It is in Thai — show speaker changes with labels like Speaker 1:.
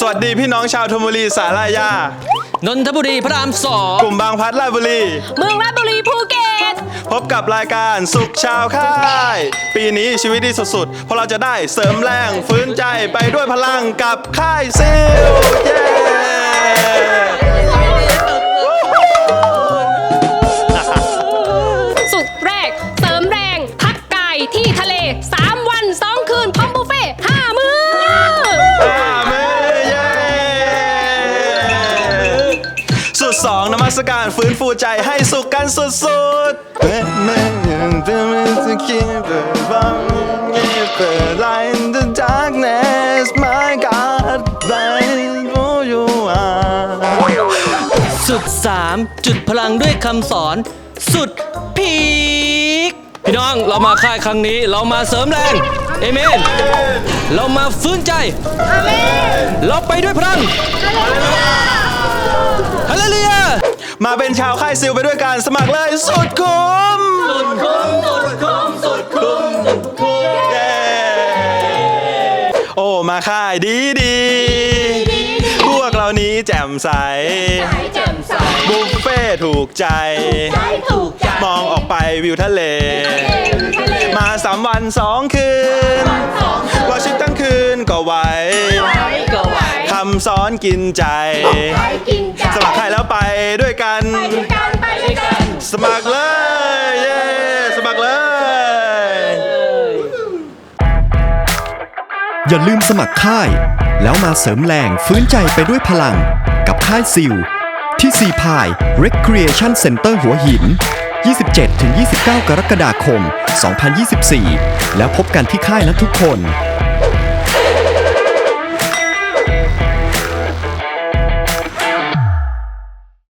Speaker 1: วัสดีพี่น้องชาวธนบุรีสารายาน
Speaker 2: นทบุรีพระรามสอง
Speaker 1: กลุ่มบางพลัดราชบุรี
Speaker 3: เมืองราชบุรีภูเก็ต
Speaker 1: พบกับรายการสุขชาวค่ายปีนี้ชีวิตดีสุดๆเพราะเราจะได้เสริมแรงฟื้นใจไปด้วยพลังกับค่ายซิลเย้
Speaker 3: สุดแรกเสริมแรงพักกายที่ทะเล3 วัน 2 คืนพร้อมบุฟเฟ่5 มื้อ
Speaker 1: สุด2นมัสการฟื้นฟูใจให้สุขกันสุดๆLight the darkness my God light who you are
Speaker 2: สุด3จุดพลังด้วยคำสอนสุดพีคพี่น้องเรามาค่ายครั้งนี้เรามาเสริมแรงเอเมนเรามาฟื้นใจเราไปด้วยพลังฮาเลลูยา
Speaker 1: มาเป็นชาวค่ายซิลไปด้วยกันสมัครเลยสุดคุ้มสุดคุ้มสุดคุ้มสุดคุ้มสุดคุ้มเย้โอ้มาค่ายดีพวกเรานี้แจ่มใสบุฟเฟ่ถูกใจมองออกไปวิวทะเลมา3 วัน 2 คืนว่าชิดทั้งคืนก็ไหวคำสอนกินใจสมัครใครแล้วไปด้วยกันสมัครเลยเย้สมัครเลย
Speaker 4: อย่าลืมสมัครค่ายแล้วมาเสริมแรงฟื้นใจไปด้วยพลังกับค่ายซิลที่ซีพาย Recreation Center หัวหิน 27-29 กรกฎาคม 2024 แล้วพบกันที่ค่ายนะทุกคน